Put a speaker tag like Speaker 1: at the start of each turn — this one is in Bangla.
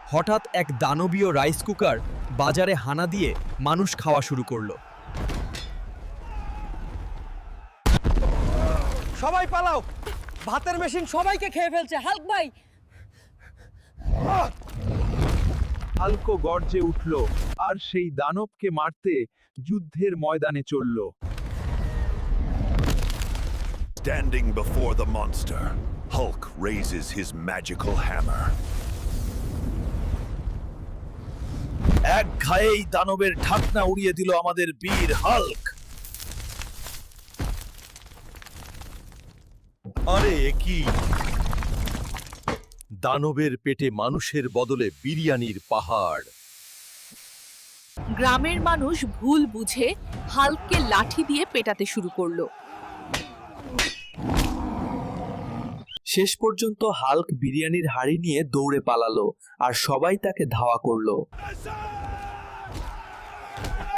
Speaker 1: হঠাৎ এক দানবীয় রাইস কুকার বাজারে হানা দিয়ে মানুষ খাওয়া শুরু করলো।
Speaker 2: সবাই পালাও, ভাতের মেশিন সবাইকে খেয়ে ফেলছে। হাল্ক ভাই,
Speaker 3: হাল্কও গর্জে উঠল আর সেই দানবকে মারতে যুদ্ধের ময়দানে চলল।
Speaker 4: Standing before the monster, Hulk raises his magical hammer.
Speaker 1: এক ঘায়েই দানবের ঢাকনা উড়িয়ে দিল আমাদের বীর হাল্ক। আরে কি, দানবের পেটে মানুষের বদলে বিরিয়ানির পাহাড়।
Speaker 5: গ্রামের মানুষ ভুল বুঝে হাল্ককে লাঠি দিয়ে পেটাতে শুরু করলো।
Speaker 1: শেষ পর্যন্ত হাল্ক বিরিয়ানির হাড়ি নিয়ে দৌড়ে পালালো আর সবাই তাকে ধাওয়া করলো।